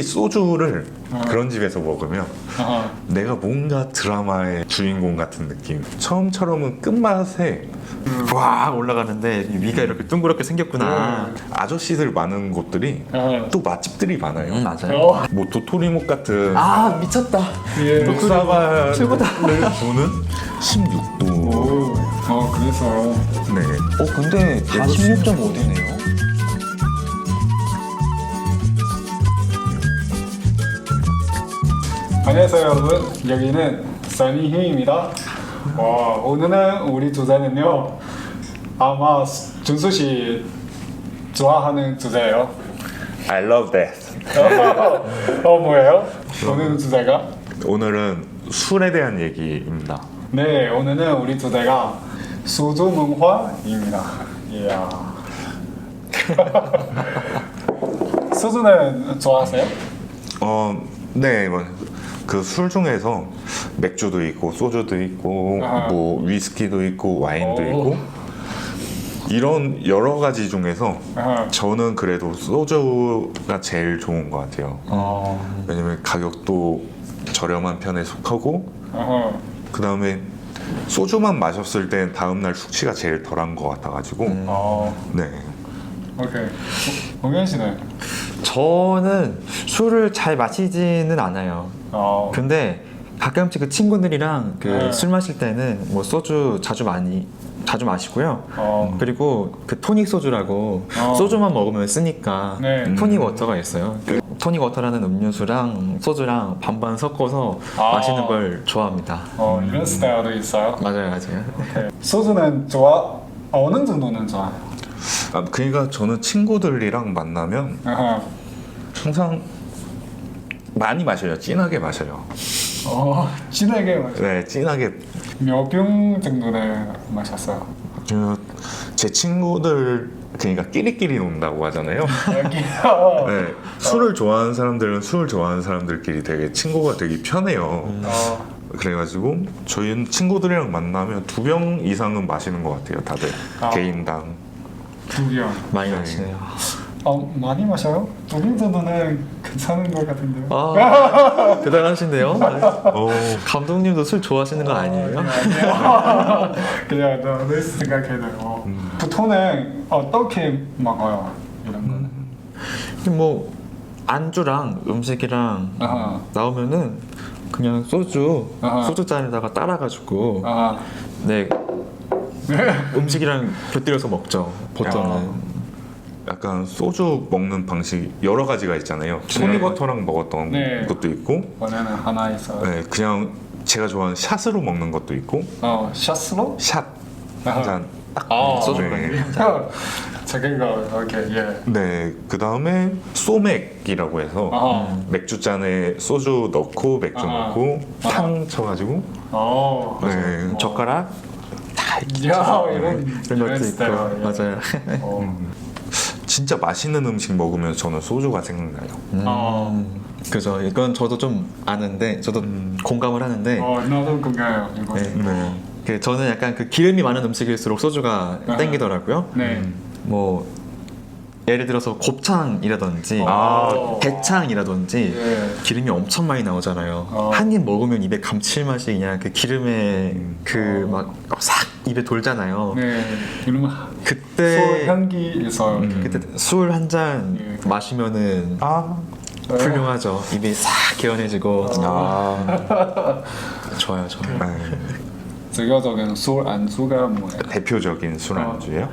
소주를 그런 집에서 먹으면 내가 뭔가 드라마의 주인공 같은 느낌. 처음처럼은 끝맛에 와 올라가는데 위가 이렇게 둥그렇게 생겼구나. 아저씨들 많은 곳들이 또 맛집들이 많아요. 맞아요. 뭐 도토리묵 같은 아 미쳤다. 육사과를 최고다. 주는 16도. 그래서 네. 근데 다 16.5도네요. 안녕하세요 여러분, 여기는 써니힘입니다. 오늘은 우리 주제는요, 아마 준수 씨 좋아하는 주제예요. I love that. 뭐예요? 오늘 주제가? 오늘은 술에 대한 얘기입니다. 네, 오늘은 우리 주제가 소주 문화입니다. 이야. 소주는 좋아하세요? 네, 그 술 중에서 맥주도 있고 소주도 있고 뭐 위스키도 있고 와인도 있고 이런 여러 가지 중에서 저는 그래도 소주가 제일 좋은 것 같아요. 왜냐면 가격도 저렴한 편에 속하고 그 다음에 소주만 마셨을 때 다음날 숙취가 제일 덜한 것 같아가지고 네. 오케이. 공연 씨는? 저는 술을 잘 마시지는 않아요. 근데 가끔씩 그 친구들이랑 그 술 마실 때는 뭐 소주 자주 마시고요. 그리고 그 토닉 소주라고 소주만 먹으면 쓰니까 토닉 워터가 있어요. 그 토닉 워터라는 음료수랑 소주랑 반반 섞어서 마시는 걸 좋아합니다. 이런 스타일도 있어요? 맞아요. 오케이. 소주는 어느 정도는 좋아해요? 그러니까 저는 친구들이랑 만나면 항상 많이 마셔요. 진하게 마셔요. 진하게 마셔요? 네, 진하게. 몇 병 정도는 마셨어요? 제 친구들 그러니까 끼리끼리 논다고 하잖아요. 여기요? 네, 술을 좋아하는 사람들은 술 좋아하는 사람들끼리 되게 친구가 되게 편해요. 그래가지고 저희는 친구들이랑 만나면 2병 이상은 마시는 것 같아요. 다들 개인당. 2병. 많이 마시네요. 많이 마셔요? 2병 정도는 괜찮은 것 같은데요? 대단하신데요? 감독님도 술 좋아하시는 거 아니에요? 아니요. 그냥 늘 생각해요. 보통은 어떻게 먹어요? 이런 거는? 뭐 안주랑 음식이랑 나오면은 그냥 소주 잔에다가 따라가지고 네 음식이랑 곁들여서 먹죠. 보통은. 약간 소주 먹는 방식 여러 가지가 있잖아요. 토닉워터랑 먹었던 것도 있고 원래는 하나 있어요. 네, 그냥 제가 좋아하는 샷으로 먹는 것도 있고 샷으로? 샷 한 잔 딱 소주랑 저거 오케이 예. 네, 그 다음에 소맥이라고 해서 맥주 잔에 소주 넣고 맥주 넣고 탕 쳐가지고 네, 젓가락 다 이런 것도 있고 스타일, 예. 맞아요. 진짜 맛있는 음식 먹으면 저는 소주가 생각나요. 그죠. 이건 저도 좀 아는데 저도 공감을 하는데 나도 공감해요. 이거. 네. 저는 약간 그 기름이 많은 음식일수록 소주가 땡기더라고요. 뭐 예를 들어서 곱창이라든지 대창이라든지 기름이 엄청 많이 나오잖아요. 한 입 먹으면 입에 감칠맛이 그냥 그 기름에 그 막 싹 입에 돌잖아요. 네. 이러면 그때 술 향기 있어요. 그때 술 한 잔 마시면은 훌륭하죠. 입이 싹 개운해지고 좋아요. 대표적인 술 안주가 뭐예요? 대표적인 술 안주예요?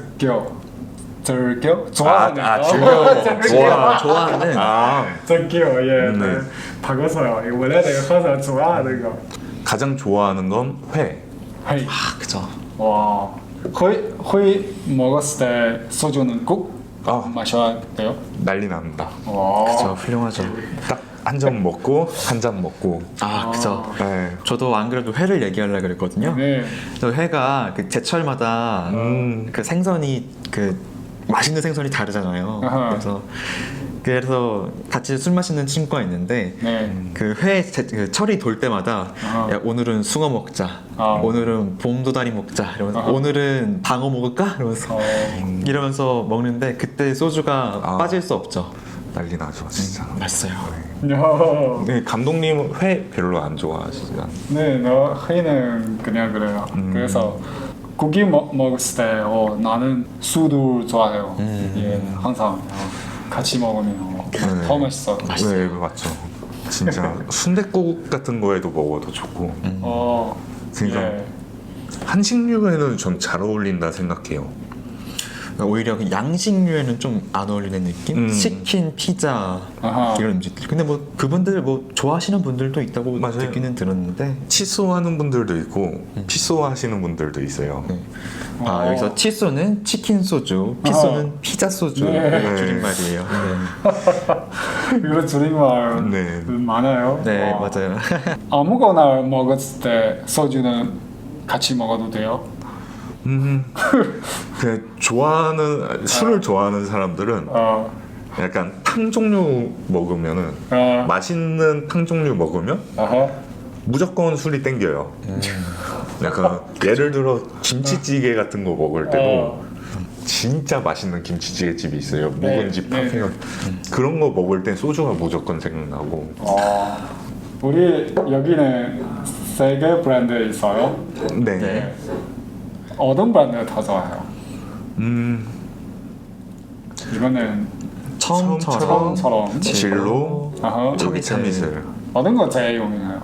즐겨? 좋아하는 좋아하는 즐겨 예. 바꿔서요. 이거 원래는 항상 좋아하는 거. 가장 좋아하는 건 회. 회. 그죠. 와. 회 먹었을 때 소주는 꼭 마셔야 돼요? 난리 납니다. 그죠. 훌륭하죠. 딱 한 잔 먹고 한 잔 먹고. 그죠. 네. 저도 안 그래도 회를 얘기하려고 그랬거든요. 저 회가 그 제철마다 그 생선이 그 맛있는 생선이 다르잖아요. 그래서 같이 술 마시는 친구가 있는데 그 회 그 철이 돌 때마다 야, 오늘은 숭어 먹자, 오늘은 봄도다리 먹자, 이러면서 오늘은 방어 먹을까? 이러면서 먹는데 그때 소주가 빠질 수 없죠. 난리 나죠 진짜. 맛있어요. 네, 감독님 회 별로 안 좋아하시잖아. 네, 너 회는 그냥 그래요. 그래서 고기 먹을 때 나는 술도 좋아해요. 예, 항상 같이 먹으면 더 맛있어. 네, 맞죠. 진짜 순댓국 같은 거에도 먹어도 좋고. 그러니까 예. 한식류에는 전 잘 어울린다 생각해요. 오히려 그 양식류에는 좀 안 어울리는 느낌? 치킨, 피자 아하. 이런 음식들. 근데 뭐 그분들 뭐 좋아하시는 분들도 있다고 맞아요. 듣기는 들었는데. 치소하는 분들도 있고 피소하시는 분들도 있어요. 네. 아 여기서 치소는 치킨 소주, 피소는 피자 소주 네. 줄임말이에요. 네, 이런 줄임말 네. 많아요. 네 맞아요. 아무거나 먹었을 때 소주는 같이 먹어도 돼요? 그냥 좋아하는 술을 좋아하는 사람들은 약간 탕 종류 먹으면은 맛있는 탕 종류 먹으면 아하. 무조건 술이 땡겨요. 약간 예를 들어 김치찌개 같은 거 먹을 때도 진짜 맛있는 김치찌개 집이 있어요. 묵은지 네, 네. 파ፌ가 그런 거 먹을 땐 소주가 무조건 생각나고. 우리 여기는 세 개 브랜드 있어요. 네. 네. 어떤 브랜드 더 좋아해요? 이거는 처음처럼 진로, 아하. 여기 참이슬. 어떤 거 제일 유명해요?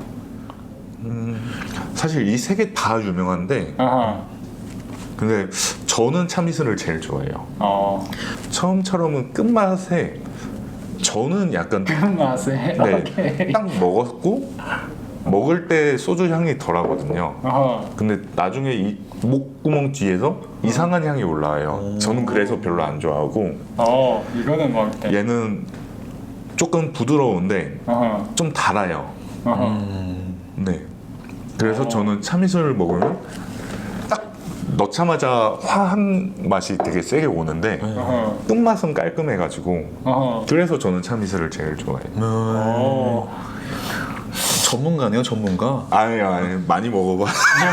사실 이 세 개 다 유명한데 아하. 근데 저는 참이슬을 제일 좋아해요. 처음처럼은 끝맛에 저는 약간 맛에 네, 딱 먹었고 먹을 때 소주 향이 덜하거든요. 아하. 근데 나중에 이 목구멍 뒤에서 이상한 향이 올라와요. 저는 그래서 별로 안 좋아하고 이거는 먹을 때. 얘는 조금 부드러운데 아하. 좀 달아요. 아하. 네. 그래서 저는 참이슬을 먹으면 딱 넣자마자 화한 맛이 되게 세게 오는데 아하. 끝맛은 깔끔해가지고 아하. 그래서 저는 참이슬을 제일 좋아해요. 전문가네요, 전문가. 아니 많이 먹어봐.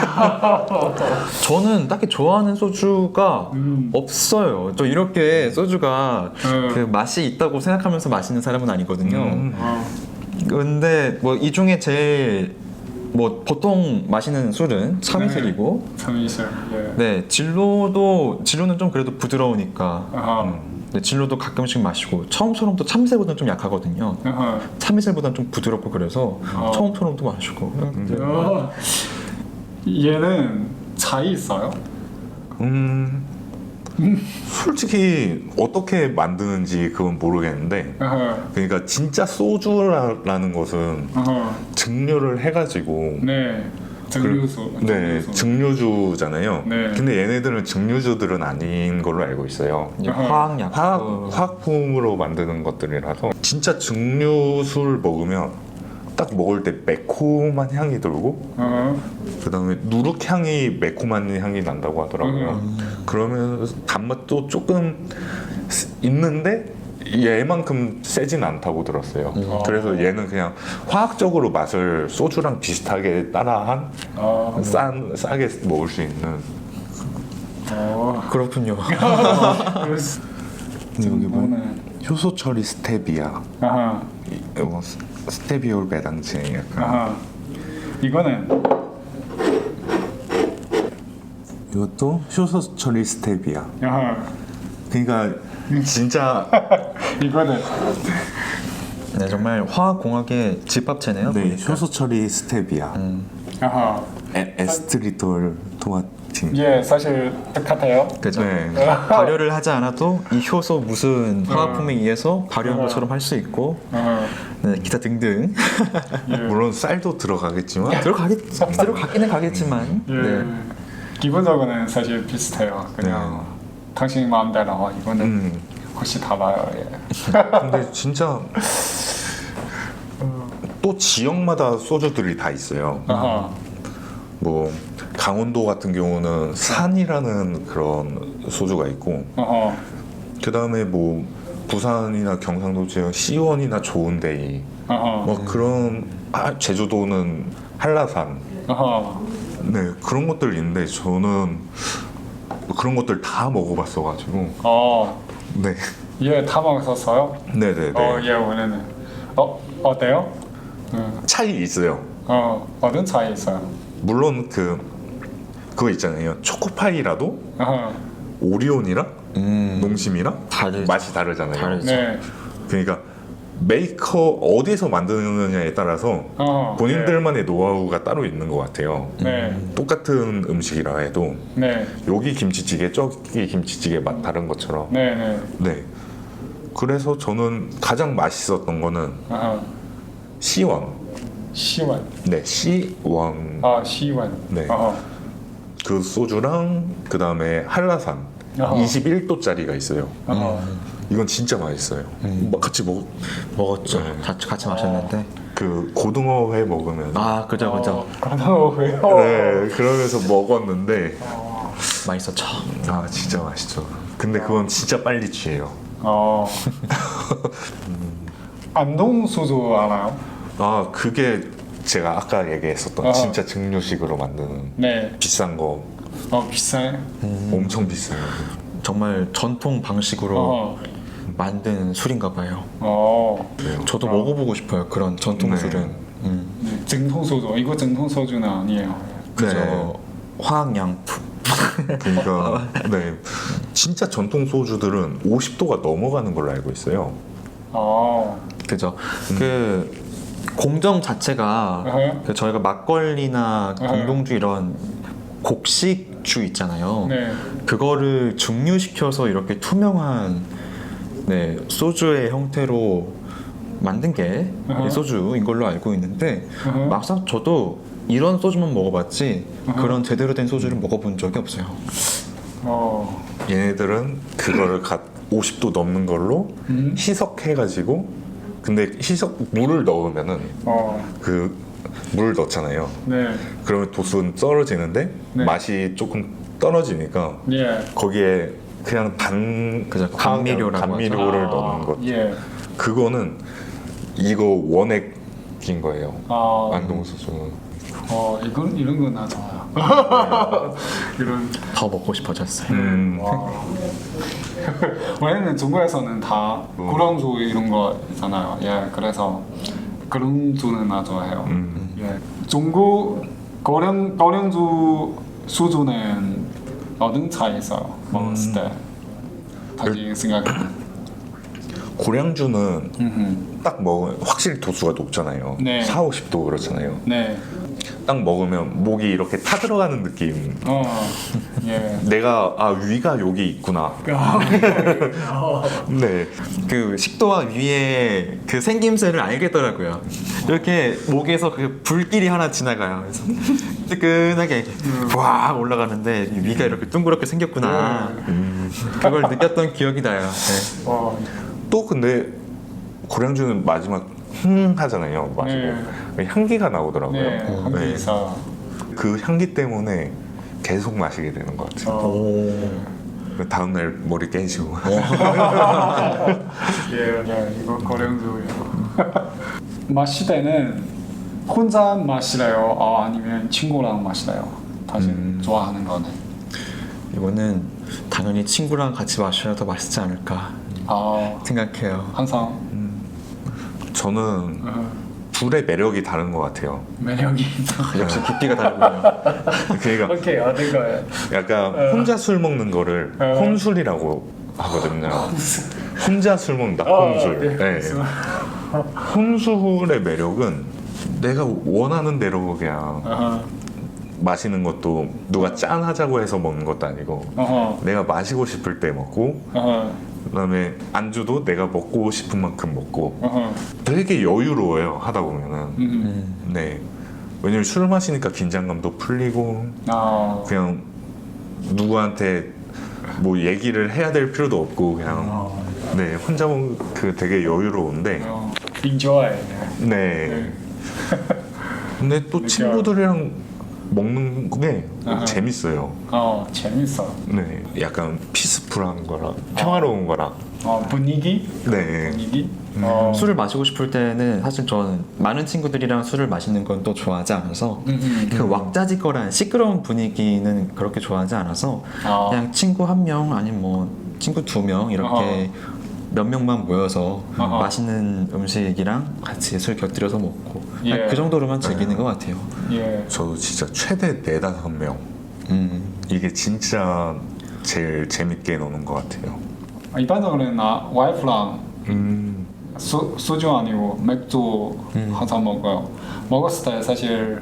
저는 딱히 좋아하는 소주가 없어요. 저 이렇게 소주가 그 맛이 있다고 생각하면서 마시는 사람은 아니거든요. 근데 뭐 이 중에 제일 뭐 보통 마시는 술은 참이슬이고, 참이슬. 예. 네 진로는 좀 그래도 부드러우니까. 아하. 네, 진로도 가끔씩 마시고 처음처럼 또 참새보다는 좀 약하거든요. 아하. 참이슬보다는 좀 부드럽고 그래서 처음처럼도 마시고. 얘는 차이 있어요? 솔직히 어떻게 만드는지 그건 모르겠는데 아하. 그러니까 진짜 소주라는 것은 아하. 증류를 해가지고 네. 증류수. 네 증류주잖아요. 네. 근데 얘네들은 증류주들은 아닌 걸로 알고 있어요. 이제 화학약품. 화학품으로 만드는 것들이라서 진짜 증류술 먹으면 딱 먹을 때 매콤한 향이 돌고 그 다음에 누룩향이 매콤한 향이 난다고 하더라고요. 그러면 단맛도 조금 있는데 얘만큼 세진 않다고 들었어요. 그래서 얘는 그냥 화학적으로 맛을 소주랑 비슷하게 따라한 싸게 먹을 수 있는. 그렇군요. 여기 보면 효소 처리 스테비아. 아하. 이거 스테비올 배당제 약간. 아하. 이거는 이것도 효소 처리 스테비아. 아하. 그러니까 진짜 이거는 네, 정말 화학공학의 집합체네요. 네, 보니까. 효소 처리 스테비아. 아하. 에스트리톨 토마틴. 예, 사실 똑같아요. 그죠. 네. 발효를 하지 않아도 이 효소 무슨 화학품에 의해서 발효한 것처럼 할 수 있고, 아하. 네, 기타 등등. 물론 쌀도 들어가겠지만 들어가기는 가겠지만. 예. 네. 기본적으로는 사실 비슷해요. 그냥 당신 마음대로 이거는 혹시 달라요. 예. 근데 진짜 또 지역마다 소주들이 다 있어요. 아하. 뭐 강원도 같은 경우는 산이라는 그런 소주가 있고 아하. 그 다음에 뭐 부산이나 경상도 지역 시원이나 좋은데이 아하. 뭐 그런 제주도는 한라산 아하. 네 그런 것들 있는데 저는 그런 것들 다 먹어봤어가지고 어. 네 예, 다 먹었었어요? 네네네. 예, 원래는. 어때요? 차이 있어요. 어떤 차이 있어요? 물론 그거 있잖아요. 초코파이라도 오리온이랑 농심이랑 다르죠. 맛이 다르잖아요. 다르죠. 네. 그러니까 메이커 어디서 만드느냐에 따라서 본인들만의 노하우가 따로 있는 것 같아요. 네. 똑같은 음식이라 해도 네. 여기 김치찌개 저기 김치찌개 맛 다른 것처럼. 네. 네. 네. 그래서 저는 가장 맛있었던 거는 C1. 시원. 네, C1. 시원. 네. 그 소주랑 그 다음에 한라산 21도짜리가 있어요. 이건 진짜 맛있어요. 막 같이 먹었죠. 네. 같이 마셨는데. 그 고등어회 먹으면서 그죠. 왜요? 네, 그러면서 먹었는데 맛있었죠. 진짜 맛있죠. 근데 그건 진짜 빨리 취해요. 안동 소주 알아요? 그게 제가 아까 얘기했었던 진짜 증류식으로 만드는 네. 비싼 거 비싸요? 엄청 비싸요. 정말 전통 방식으로 만든 술인가 봐요. 저도 먹어보고 싶어요. 그런 전통 네. 술은. 네, 정통 소주. 이거 정통 소주는 아니에요. 그죠. 네. 화학양품. 그러니까 네, 진짜 전통 소주들은 50도가 넘어가는 걸로 알고 있어요. 그죠. 그 공정 자체가 그 저희가 막걸리나 공동주 이런 곡식주 있잖아요. 네. 그거를 증류시켜서 이렇게 투명한 소주의 형태로 만든 게 이 소주인 걸로 알고 있는데 막상 저도 이런 소주만 먹어봤지 그런 제대로 된 소주를 먹어본 적이 없어요. 얘네들은 그거를 50도 넘는 걸로 희석해가지고 근데 물을 넣으면은 그 물을 넣잖아요. 네. 그러면 도수는 떨어지는데 네. 맛이 조금 떨어지니까 예. 거기에 그냥 그죠. 감미료라고 감미료를 넣는 것. 예. 그거는 이거 원액인 거예요. 안동 소주는. 이런 건 나 좋아요. 이런. 더 먹고 싶어졌어요. 와. 원래는 중국에서는 다 고량주 이런 거 있잖아요. 예, 그래서 그런 주는 나 좋아해요. 예, 중국 고량주 수주는 어떤 차이 있어요? 먹었을 때 자기 생각에. 고량주는 딱 먹으면 확실히 도수가 높잖아요. 네. 4, 50도 그렇잖아요. 네. 딱 먹으면 목이 이렇게 타들어가는 느낌. 예. 내가 위가 여기 있구나. 네. 그 식도와 위에 그 생김새를 알겠더라고요. 이렇게 목에서 그 불길이 하나 지나가요. 그래서 뜨끈하게 이렇게 와 올라가는데 위가 이렇게 둥그렇게 생겼구나. 그걸 느꼈던 기억이 나요. 네. 또 근데 고량주는 마지막 하잖아요. 마시고 향기가 나오더라고요. 네. 한개 있어. 그 향기 때문에 계속 마시게 되는 것 같아요. 그 다음날 머리 깨지고. 예, 이거 고량주예요. 마실 때는 혼자 마시래요? 아니면 친구랑 마시래요? 당신 좋아하는 거는? 이거는 당연히 친구랑 같이 마셔야 더 맛있지 않을까 생각해요. 항상 저는 둘의 매력이 다른 것 같아요. 매력이 역시 깊이가 다르군요. 그러니까 오케이, 어떤 거예요? 약간 혼자 술 먹는 거를 혼술이라고 하거든요. 혼자 술 먹는다. 혼술. 네. 혼술의 매력은 내가 원하는 대로 그냥 마시는 것도 누가 짠하자고 해서 먹는 것도 아니고 내가 마시고 싶을 때 먹고 그다음에 안주도 내가 먹고 싶은 만큼 먹고 되게 여유로워요 하다 보면은. 네. 왜냐면 술 마시니까 긴장감도 풀리고 그냥 누구한테 뭐 얘기를 해야 될 필요도 없고 그냥 네 혼자 먹는 그 되게 여유로운데 enjoy. 네. 근데 또 친구들이랑 먹는 게 재밌어요. 재밌어. 네, 약간 피스풀한 거랑 평화로운 거랑. 분위기? 네. 분위기? 술을 마시고 싶을 때는 사실 저는 많은 친구들이랑 술을 마시는 건 또 좋아하지 않아서 그 왁자지껄한 시끄러운 분위기는 그렇게 좋아하지 않아서 그냥 친구 한 명 아니면 뭐 친구 2명 이렇게 몇 명만 모여서 아하. 맛있는 음식이랑 같이 술 곁들여서 먹고 예. 그 정도로만 즐기는 것 같아요. 예. 저도 진짜 최대 4-5명 이게 진짜 제일 재밌게 노는 것 같아요. 일반적으로는 나 와이프랑 소주 아니고 맥주 항상 먹어요. 먹었을 때 사실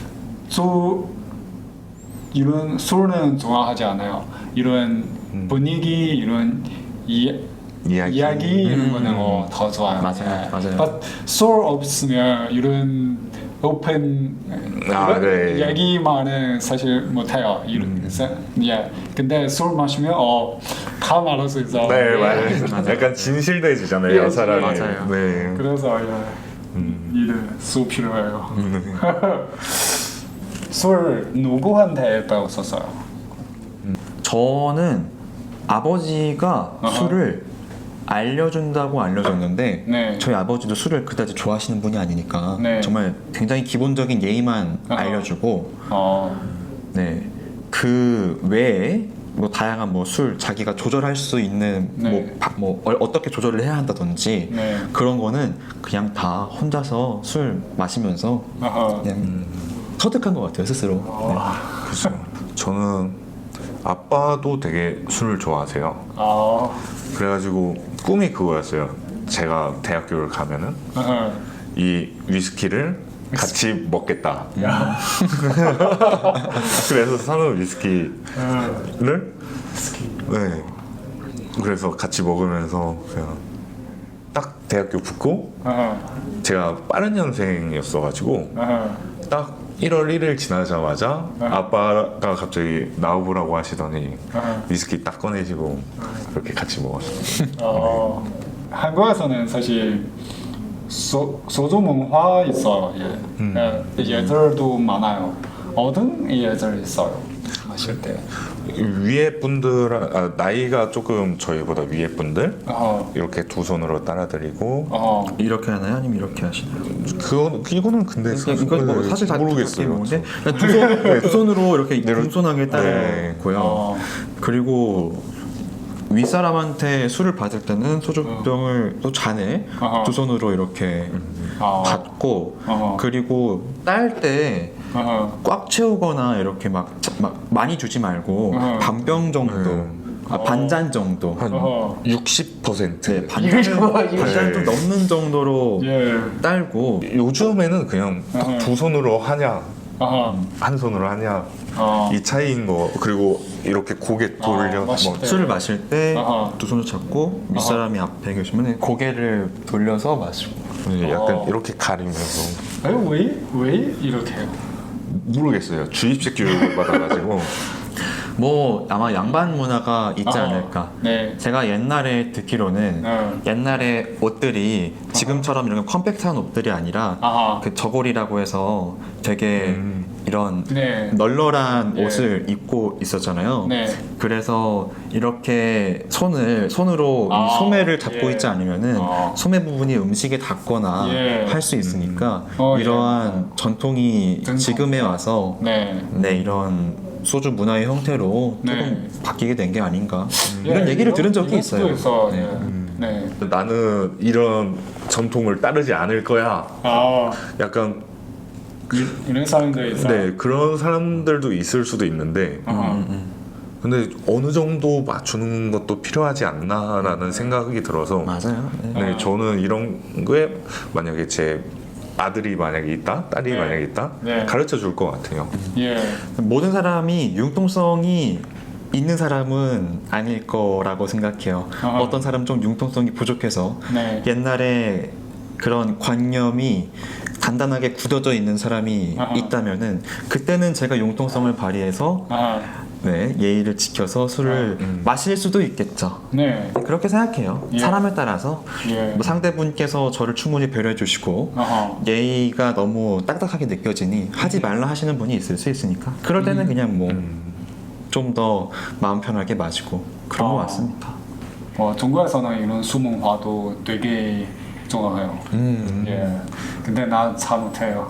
이런 술은 좋아하지 않아요. 이런 분위기, 이런 이야기 이런 거는 더 좋아요. 맞아요, 맞아요. But 술 없으면 이런 오픈 이런 네. 얘기만은 사실 못해요. 예. 근데 술 마시면 다 말할 수 있어. 네, 맞아요. 약간 진실돼지잖아요, 예, 사람이. 맞아요. 네. 그래서 이런 술 필요해요. 술 누구한테 배웠었어요? 저는 아버지가 아하. 술을 알려준다고 알려줬는데 네. 저희 아버지도 술을 그다지 좋아하시는 분이 아니니까 네. 정말 굉장히 기본적인 예의만 아하. 알려주고 어. 네. 그 외에 뭐 다양한 뭐 술 자기가 조절할 수 있는 네. 어떻게 조절을 해야 한다든지 네. 그런 거는 그냥 다 혼자서 술 마시면서 아하. 그냥 터득한 것 같아요 스스로. 그죠. 저는 아빠도 되게 술을 좋아하세요. 아. 그래가지고 꿈이 그거였어요. 제가 대학교를 가면은 아하. 이 위스키를 같이 먹겠다. 야. 그래서 사는 위스키를 네. 그래서 같이 먹으면서 그냥 딱 대학교 붙고 아하. 제가 빠른 년생이었어가지고 아하. 딱 1월 1일 지나자마자 아빠가 갑자기 나와보라고 하시더니 위스키 딱 꺼내시고 그렇게 같이 먹었어요. 한국에서는 사실 소주 문화 있어요. 예. 예절도 많아요. 어떤 예절 있어요? 마실 때. 위에 분들 나이가 조금 저희보다 위에 분들 이렇게 두 손으로 따라드리고 이렇게 하나요? 아니면 이렇게 하시나요? 이거는 근데 이거 뭐 사실 다 모르겠어요. 모르겠는데 두 손으로 이렇게 공손하게 따르고요. 그리고 윗사람한테 술을 받을 때는 소주병을 또 잔에 두 손으로 이렇게 받고 그리고 딸 때 꽉 채우거나 이렇게 막 많이 주지 말고 반병 정도 반잔 정도 한 60%. 네, 반잔 좀 넘는 정도로 예. 딸고 요즘에는 그냥 딱 두 손으로 하냐 한 손으로 하냐 어. 이 차이인 거. 그리고 이렇게 고개 돌려 마실 때. 술을 마실 때 아하. 두 손을 잡고 윗사람이 앞에 계시면 고개를 돌려서 마시고 약간 이렇게 가리면서 왜 이렇게 해요? 모르겠어요. 주입식 교육을 받아가지고 뭐 아마 양반 문화가 있지 않을까. 네. 제가 옛날에 듣기로는 옛날에 옷들이 지금처럼 이런 컴팩트한 옷들이 아니라 아하. 그 저고리라고 해서 되게 이런 네. 널널한 예. 옷을 입고 있었잖아요. 네. 그래서 이렇게 손으로 아, 이 소매를 잡고 예. 있지 않으면은 소매 부분이 음식에 닿거나 예. 할 수 있으니까 예. 이러한 전통이 전통. 지금에 와서 네. 이런 소주 문화의 형태로 네. 조금 바뀌게 된 게 아닌가 예, 이런 얘기를 들은 적이 이런 있어요. 수도 있어. 네. 네. 나는 이런 전통을 따르지 않을 거야. 약간 이런 사람들 있어요. 네 그런 사람들도 있을 수도 있는데 근데 어느 정도 맞추는 것도 필요하지 않나라는 생각이 들어서 맞아요. 네. 네 저는 이런 거에 만약에 제 아들이 만약에 있다, 딸이 네. 만약에 있다, 네. 가르쳐 줄 것 같아요. 예. 모든 사람이 융통성이 있는 사람은 아닐 거라고 생각해요. 어떤 사람 좀 융통성이 부족해서 네. 옛날에 그런 관념이 단단하게 굳어져 있는 사람이 있다면은 그때는 제가 융통성을 발휘해서 네, 예의를 지켜서 술을 마실 수도 있겠죠. 네. 그렇게 생각해요. 예. 사람에 따라서 예. 뭐 상대분께서 저를 충분히 배려해 주시고 예의가 너무 딱딱하게 느껴지니 하지 말라 하시는 분이 있을 수 있으니까 그럴 때는 그냥 뭐 좀 더 마음 편하게 마시고 그런 것 같습니다. 중국에서는 이런 수문화도 되게 좋아해요. 예. 근데 나 잘 못해요.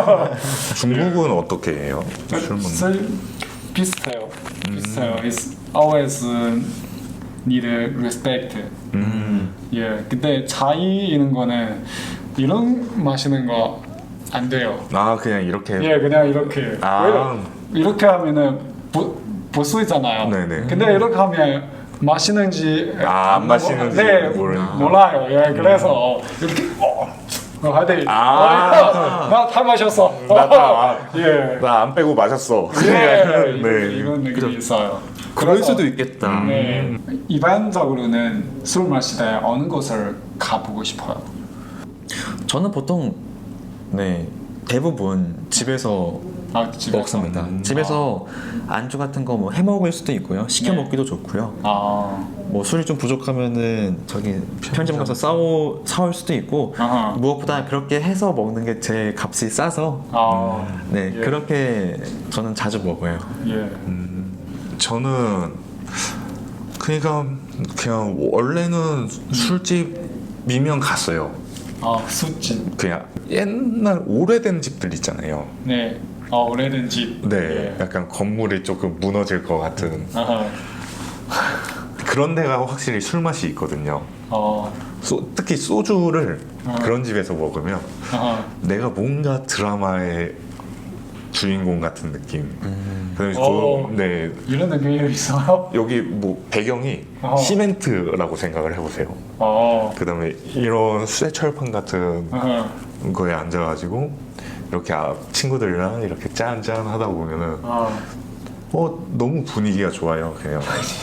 중국은 어떻게 해요? 술 먹는 비슷해요. 비슷해요. It's always need respect. 예, 근데 차이 있는 거는 이런 마시는 거 안 돼요. 아 그냥 이렇게. 예, 그냥 이렇게. 아. 이렇게 하면은 볼수 있잖아요. 네네. 근데 이렇게 하면 마시는지 안 마시는지 네, 모르는. 몰라요. 예, 그래서 이렇게 하되 나다 마셨어. 예. 나 안 빼고 마셨어. 예, 네. 이런 느낌이 있어요. 그럴 그래서, 수도 있겠다. 네, 일반적으로는 술 마실 때 어느 곳을 가보고 싶어요. 저는 보통 네 대부분 집에서 집에서. 먹습니다. 집에서 안주 같은 거 뭐 해 먹을 수도 있고요. 시켜 네. 먹기도 좋고요. 아, 뭐 술이 좀 부족하면은 저기 편의점 가서 사올 수도 있고 아하. 무엇보다 그렇게 해서 먹는 게 제일 값이 싸서 네 예. 그렇게 저는 자주 먹어요. 예. 저는 그러니까 그냥 원래는 술집이면 갔어요. 술집. 그냥 옛날 오래된 집들 있잖아요. 네. 오래된 집. 네, 예. 약간 건물이 조금 무너질 것 같은 아하. 그런 데가 확실히 술 맛이 있거든요. 어. 특히 소주를 그런 집에서 먹으면 아하. 내가 뭔가 드라마의 주인공 같은 느낌. 그래서 네, 이런 느낌이 있어요? 여기 뭐 배경이 시멘트라고 생각을 해보세요. 그다음에 이런 쇠철판 같은 아하. 거에 앉아가지고 이렇게 친구들이랑 이렇게 짠짠 하다 보면은 너무 분위기가 좋아요. 그냥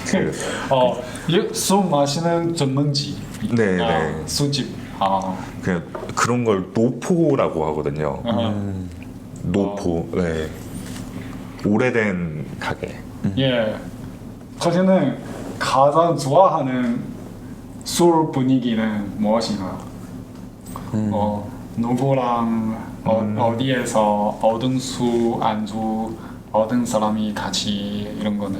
술 마시는 전문지. 네. 술집. 그냥 그런 걸 노포라고 하거든요. 노포. 네. 오래된 가게. 예. 거기는 가장 좋아하는 술 분위기는 무엇인가요? 누구랑 어디에서 얻은 술 안주 얻은 사람이 같이 이런 거는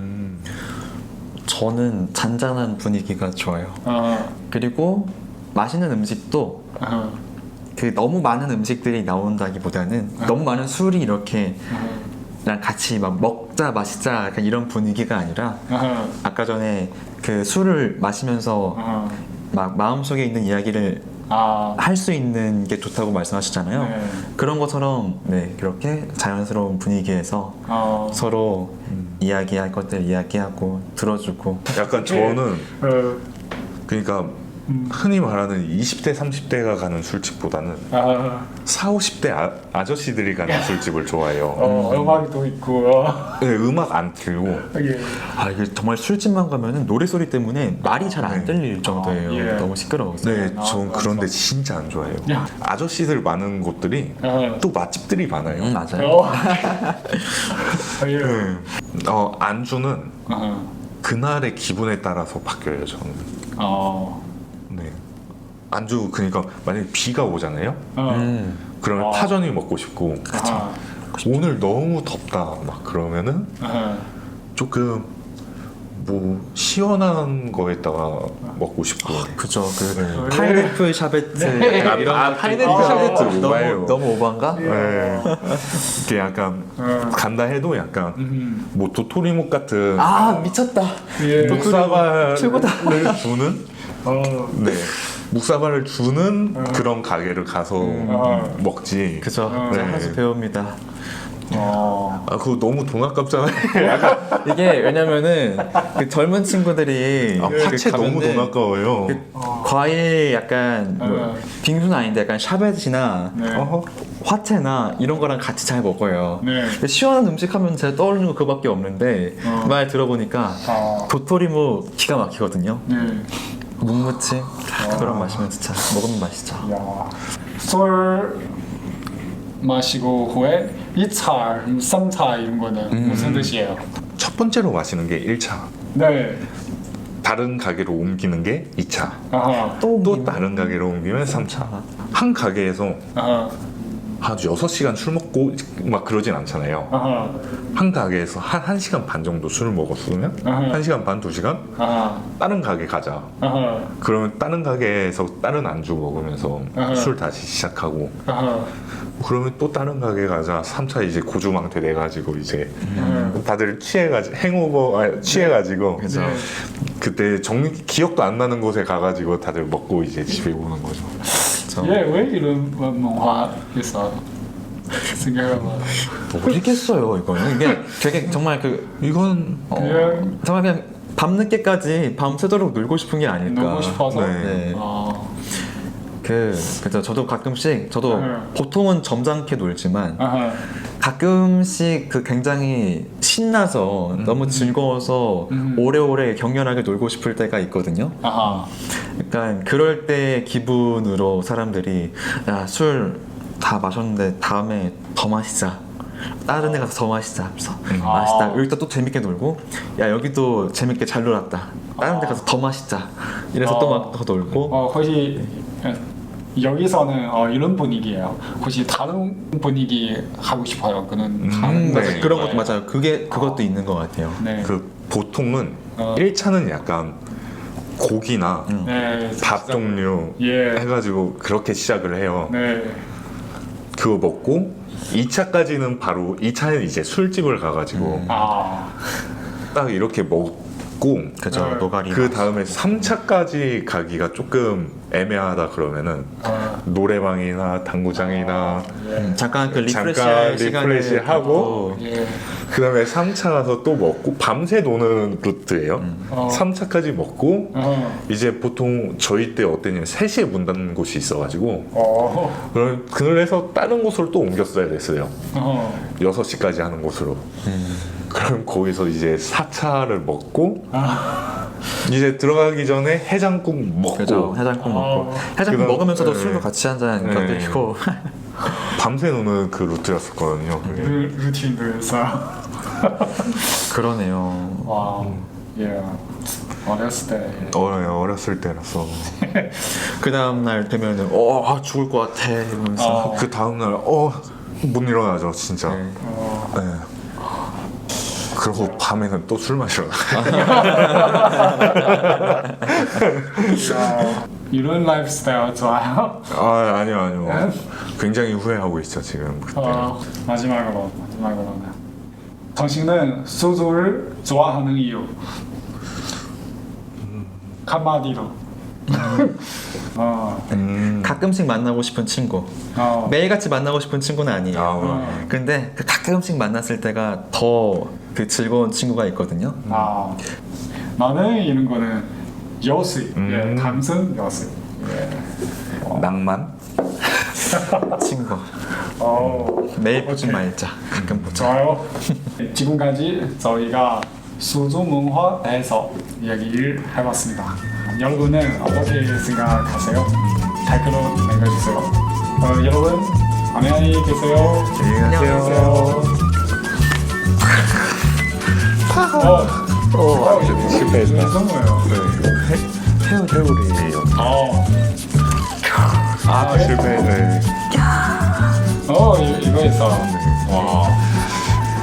저는 잔잔한 분위기가 좋아요. 그리고 맛있는 음식도 그 너무 많은 음식들이 나온다기보다는 너무 많은 술이 이렇게 랑 같이 막 먹자 마시자 약간 이런 분위기가 아니라 아까 전에 그 술을 마시면서 막 마음속에 있는 이야기를 할 수 있는 게 좋다고 말씀하셨잖아요. 네. 그런 것처럼 네 그렇게 자연스러운 분위기에서 서로 이야기할 것들 이야기하고 들어주고 약간 저는 그러니까 흔히 말하는 20대 30대가 가는 술집보다는 4, 50대 아저씨들이 가는 술집을 좋아해요. 음악도 있고 네, 음악 안 틀고 예. 이게 정말 술집만 가면은 노래소리 때문에 말이 잘 안 들릴 정도예요. 예. 너무 시끄러워서. 네, 전 그런데 진짜 안 좋아해요. 야. 아저씨들 많은 곳들이 또 맛집들이 많아요. 맞아요. 예. 네. 안주는 그날의 기분에 따라서 바뀌어요. 저는. 네. 안주 그러니까 만약에 비가 오잖아요. 그러면 파전이 먹고 싶고. 오늘 너무 덥다 막 그러면은 조금 뭐 시원한 거에다가 먹고 싶고. 그죠. 그 네. 파인애플 샤베트 이런 파인애플 샤베트 오바예요. 너무 오반가? 네. 이게 약간 간다 해도 약간 뭐 도토리묵 같은 미쳤다. 예. 묵사발을 최고다. 주는 네 묵사발을 주는 그런 가게를 가서 먹지. 그죠. 네. 한 수 배웁니다. 그거 너무 돈 아깝잖아요. 약간 이게 왜냐면은 그 젊은 친구들이 파채 너무 돈 아까워요. 과일 약간 뭐 빙수는 아닌데 약간 샤베트나 화채나 이런 거랑 같이 잘 먹어요. 네. 근데 시원한 음식 하면 제가 떠오르는 거 그거밖에 없는데 말 들어보니까 도토리묵 기가 막히거든요. 네. 묵무침 그거랑 마시면 진짜 먹으면 맛있죠. 야. 술 마시고 후에 2차, 3차 이런 거는 무슨 뜻이에요? 첫 번째로 마시는 게 1차. 네. 다른 가게로 옮기는 게 2차. 또 다른 가게로 옮기면 3차. 한 가게에서 한 6시간 술 먹고 막 그러진 않잖아요. 한 가게에서 한 1시간 반 정도 술을 먹었으면 1시간 반, 2시간 다른 가게 가자. 그러면 다른 가게에서 다른 안주 먹으면서 술 다시 시작하고 그러면 또 다른 가게 가자. 3차 이제 고주망태 내가지고 이제 다들 취해가지고 그죠. 그때 기억도 안 나는 곳에 가가지고 다들 먹고 이제 집에 오는 거죠. 왜 이런 문화 있어? 생각해봐. 모르겠어요 이거는. 이게 되게 정말 이건 그냥 정말 그냥 밤늦게까지 밤새도록 놀고 싶은 게 아닐까. 놀고 싶어서. 네. 아, 그래서 저도 가끔씩 저도 네. 보통은 점잖게 놀지만 아하. 가끔씩 그 굉장히 신나서 너무 즐거워서 오래오래 격렬하게 놀고 싶을 때가 있거든요. 아하. 약간 그럴 때 기분으로 사람들이 야, 술 다 마셨는데 다음에 더 마시자. 다른 데 가서 더 마시자 하면서 마시다. 여기다 또 재밌게 놀고 야 여기도 재밌게 잘 놀았다. 다른 데 가서 더 마시자. 이래서 또 막 더 놀고 혹시 여기서는 이런 분위기예요. 혹시 다른 분위기 하고 싶어요. 그는 다른 네. 분위기. 그런 것도 맞아요. 그것도 있는 것 같아요. 네. 그 보통은 1차는 약간 고기나 네. 밥 종류 예. 해가지고 그렇게 시작을 해요. 네. 그거 먹고 2차까지는 바로 2차는 이제 술집을 가가지고 아. 딱 이렇게 먹고 그죠. 네. 노가리. 그 다음에 3차까지 가기가 조금 애매하다 그러면은 노래방이나 당구장이나 잠깐 그 잠깐 리프레시 시간을 리프레시 하고 두고 예. 그 다음에 3차 가서 또 먹고 밤새 노는 루트예요. 3차까지 먹고 이제 보통 저희 때 어땠냐면 3시에 문 닫는 곳이 있어가지고 그래서 다른 곳으로 또 옮겼어야 됐어요. 6시까지 하는 곳으로. 그럼 거기서 이제 4차를 먹고 이제 들어가기 전에 해장국 먹고 그죠. 해장국 먹고 해장국 그다음- 먹으면서도 네. 술도 같이 한잔 네. 건드리고 밤새 노는 그 루트였었거든요. 그게. 루틴도 있어요. 그러네요. 와. 예. 어렸을 때. 어렸을 때라서 그 다음 날 되면은 죽을 것 같아 이러면서 그 다음날 못 일어나죠 진짜. 네. 네. 그리고 밤에는 또 술 마시러 이런 라이프 스타일 좋아요? 아니요 굉장히 후회하고 있죠 지금 그때. 마지막으로. 당신은 소주를 좋아하는 이유. 한마디로. 가끔씩 만나고 싶은 친구. 매일같이 만나고 싶은 친구는 아니에요. 근데 그 가끔씩 만났을 때가 더 그 즐거운 친구가 있거든요. 나는 이런 거는 여수. 예, 감성 여수. 예. 낭만? 친구. 매일 보지 말자. 가끔 보자. 좋아요. 지금까지 저희가 소주 문화에 대해서 이야기를 해봤습니다. 여러분은 어떻게 생각하세요? 댓글로 남겨주세요. 여러분 안녕히 계세요. 안녕히 계세요. 실패했다. 성우예요. 태우리예요. 아, 실패. 네. 이거 있어. 와.